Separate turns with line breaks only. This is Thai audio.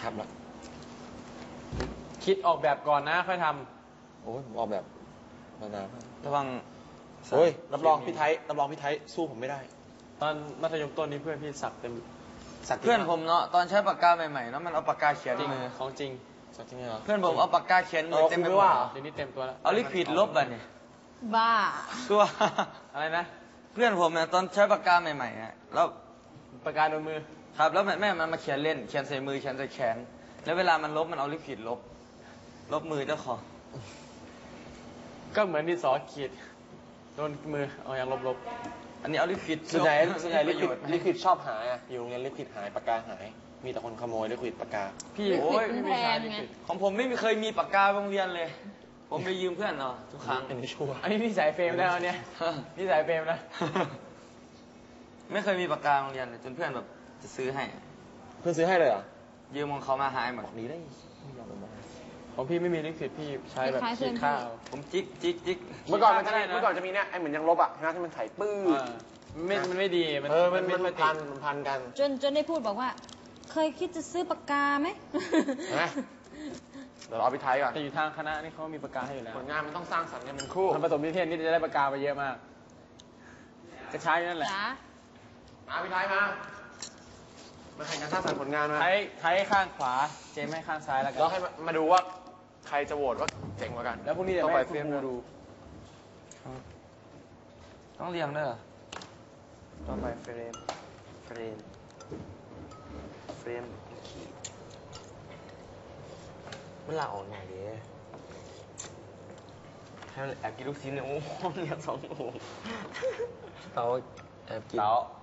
ำแล้ว
คิดออกแบบก่อนนะค่อยท
โอ้ยผมออกแบบมานาน
ระวัง
โอ้ยรับรองพี่ไทยสู้ผมไม่ได้
ตอนมัธยมต้นนี้เพื่อนพี่สักเต็ม
เพื่อนผมเนาะตอนใช้ปากกาใหม่ๆเนาะมันเอาปากกาเขียนมือ
ของจริง
สักจริงเหรอ
เพื่อนผมเอาปากกาเขียนมือเต็มไปหมด
เดี๋ยวนี้เต็มตัวแล้ว
เอาลิควิดลบอ่ะเนี่ย
บ้า
ตัว
อะไรนะ
เพื่อนผมเนี่ยตอนใช้ปากกาใหม่ๆอ่ะแล้ว
ปากกาโดนมือ
ครับแล้วแม่มันมาเขียนเล่นเขียนใส่มือเขียนใส่แขนแล้วเวลามันลบมันเอาลิควิดลบมือเจ้าของ
ก็เหมือนที่สอขีดโดนมือเอาอย่างลบ
อันนี้เอาลิควิด
ส่วนใหญ่ลิควิดชอบหายอ่ะอยู่โรงเรียนลิควิดหายปากกาหายมีแต่คนขโมยลิควิดปากกา
พี่โอ้ยไม่ใช่ของผมไม่เคยมีปากกาโรงเรียนเลยผมไปยืมเพื่อนเนาะทุกครั้ง
อันนี้ชัวร์
อันนี้นิสัยเฟรมแล้วเนี่ยนิสัยเฟรมนะ
ไม่เคยมีปากกาโรงเรียนเลยจนเพื่อนแบบจะซื้อให้
เพื่อนซื้อให้เลยเหรอ
ยืมของเขามาหายหมด
ดีได้
ของพี่ไม่มีลิควิดพี่ใช้แบบขีดข้าว
ผมจิก
เมื่อก่อนจะมีเนี่ยไอ้เหมือนยังลบอ่ะใช่ไหมที่มันไถปื้อ
มันไม่ดี
มันพันกัน
จนได้พูดบอกว่าเคยคิดจะซื้อปากกาไหม
เดี๋ยวเราเอาไปไทยก่อน
แต่อยู่ทางคณะนี่เขามีปากกาให้อยู่แล้ว
ผลงานมันต้องสร้างสรรค์กันเป็นคู่
ทำผสมนิเทศนี่จะได้ปากกาไปเยอะมากจะใช้นั่นแหละ
มาพี่ไทยมาแข่งกันสร้างสรรค์ผลงานมา
ไทยข้างขวาเจมให้ข้างซ้ายแล้วกัน
แล้วให้มาดูว่าใครจะโหวตว่าเจ๋งกว่ากัน
แล้วพรุ่งนี้จะไปเฟรมดู
ต้องเรียงด้วยเหรอ
ต้องไปเฟรมมันลาออกไงดิให้แอบกินลูกชิ้นเนี่ยโอ้โหเรียก2 โมง
เต๋าแอบกิน